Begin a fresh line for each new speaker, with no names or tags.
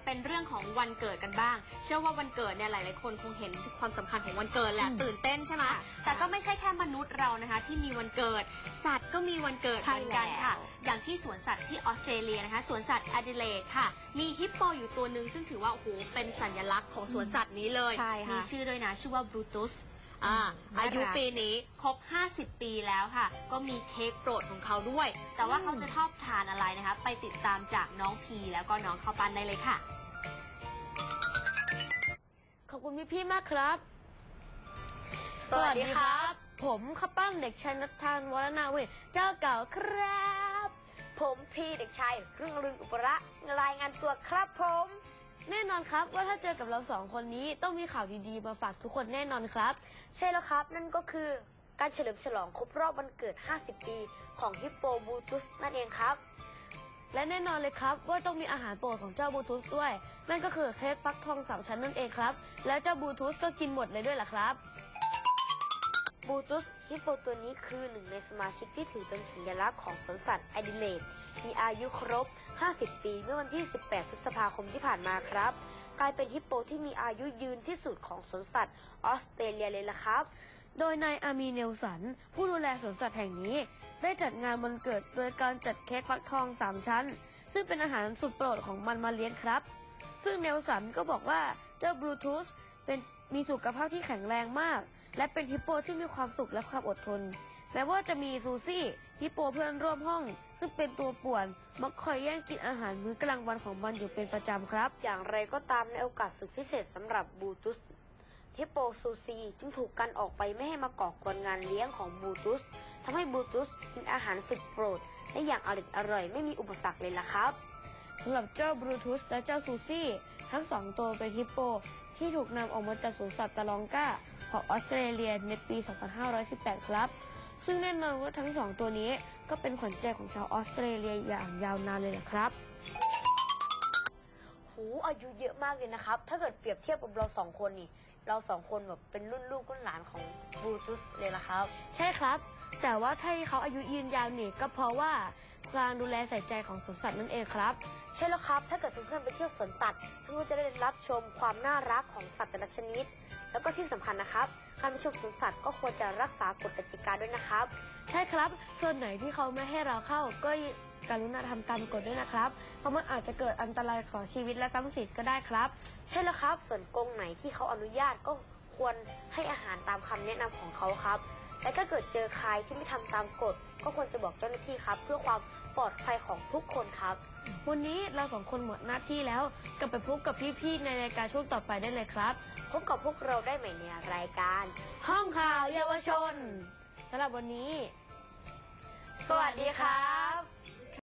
เป็นเรื่องของวันเกิดกันบ้างเชื่อว่าวันเกิดเนี่ยหลายๆคนคงเห็นความสำคัญของวันเกิดแหละตื่นเต้นใช่ไหมแต่ก็ไม่ใช่แค่มนุษย์เรานะคะที่มีวันเกิดสัตว์ก็มีวันเกิดเหมือนกันค่ะอย่างที่สวนสัตว์ที่ออสเตรเลียนะคะสวนสัตว์แอดิเลดค่ะมีฮิปโปอยู่ตัวหนึ่งซึ่งถือว่าโอ้โหเป็นสัญลักษณ์ของสวนสัตว์นี้เลยมีชื่อด้วยนะชื่อว่าบรูตุสอายุปีนี้ครบ50 ปีแล้วค่ะก็มีเค้กโปรดของเขาด้วยแต่ว่าเขาจะชอบทานอะไรนะคะไปติดตามจากน้องพีแล้วก็น้องข้าวปั้นได้เลยค่ะ
ขอบคุณพี่ๆมากครับสวัสดีครับผมข้าวปั้นเด็กชายนัทธานวรนาเวทเจ้าเก่าครับ
ผมพีเด็กชายรุ่งอรุณอุประรายงานตัวครับผม
แน่นอนครับว่าถ้าเจอกับเรา2 คนนี้ต้องมีข่าวดีๆมาฝากทุกคนแน่นอนครับ
ใช่แล้วครับนั่นก็คือการเฉลิมฉลองครบรอบวันเกิด50 ปีของฮิปโปบลูตุสนั่นเองครับ
และแน่นอนเลยครับว่าต้องมีอาหารโปรดของเจ้าบลูตุสด้วยนั่นก็คือเค้กฟักทอง3 ชั้นนั่นเองครับและเจ้าบลูตุสก็กินหมดเลยด้วยล่ะครับ
บลูตุสฮิปโปตัวนี้คือหนึ่งในสมาชิกที่ถือเป็นสัญลักษณ์ของสวนสัตว์แอดิเลดมีอายุครบ50 ปีเมื่อวันที่18 พฤษภาคมที่ผ่านมาครับกลายเป็นฮิปโปที่มีอายุยืนที่สุดของสวนสัตว์ออสเตรเลียเลยล่ะครับ
โดยนายอามีเนลสันผู้ดูแลสวนสัตว์แห่งนี้ได้จัดงานวันเกิดโดยการจัดเค้กฟักทอง3 ชั้นซึ่งเป็นอาหารสุดโปรดของมันมาเลี้ยงครับซึ่งเนลสันก็บอกว่าเจ้าบลูทูสมีสุขภาพที่แข็งแรงมากและเป็นฮิปโปที่มีความสุขและความอดทนแม้ว่าจะมีซูซี่ฮิปโปเพื่อนร่วมห้องซึ่งเป็นตัวป่วนมักคอยแย่งกินอาหารมื้อกลางวันของมันอยู่เป็นประจำครับ
อย่างไรก็ตามในโอกาสสุดพิเศษสำหรับบลูตุสฮิปโปซูซีจึงถูกกันออกไปไม่ให้มาก่อกวนงานเลี้ยงของบลูตุสทำให้บลูตุสกินอาหารสุดโปรดและอย่างอร่อยไม่มีอุปสรรคเลยล่ะครับ
สำหรับเจ้าบลูตุสและเจ้าซูซี่ทั้ง2 ตัวเป็นฮิปโปที่ถูกนำออกมาจากสวนสัตว์ตะลองกาของออสเตรเลียในปี 2518 ครับซึ่งแน่นอนว่าทั้ง2 ตัวนี้ก็เป็นขวัญใจของชาวออสเตรเลียอย่างยาวนานเลยล่ะครับ
อายุเยอะมากเลยนะครับถ้าเกิดเปรียบเทียบกับเรา2 คนนี่เรา2 คนแบบเป็นรุ่นลูกรุ่นหลานของบลูตุสเลยล่ะครับ
ใช่ครับแต่ว่าที่เขาอายุยืนยาวนี่ก็เพราะว่าการดูแลใส่ใจของสวนสัตว์นั่นเองครับ
ใช่แล้วครับถ้าเกิดเพื่อนๆไปเที่ยวสวนสัตว์เพื่อนๆจะได้รับชมความน่ารักของสัตว์แต่ละชนิดแล้วก็ที่สำคัญนะครับการไปชมสวนสัตว์ก็ควรจะรักษากฎกติกาด้วยนะครับ
ใช่ครับส่วนไหนที่เขาไม่ให้เราเข้าก็กรุณาทำตามกฎด้วยนะครับเพราะมันอาจจะเกิดอันตรายต่อชีวิตและทรัพย์สินก็ได้ครับ
ใช่แล้วครับส่วนกรงไหนที่เขาอนุญาตก็ควรให้อาหารตามคำแนะนำของเขาครับและถ้าเกิดเจอใครที่ไม่ทำตามกฎก็ควรจะบอกเจ้าหน้าที่ครับเพื่อความปลอดภัยของทุกคนครับ
วันนี้เรา2 คนหมดหน้าที่แล้วกลับไปพบกับพี่ๆในรายการช่วงต่อไปได้เลยครับ
พบกับพวกเราได้ใหม่ในรายการ
ห้องข่าวเยาวชนสำหรับวันนี้
สวัสดีครับ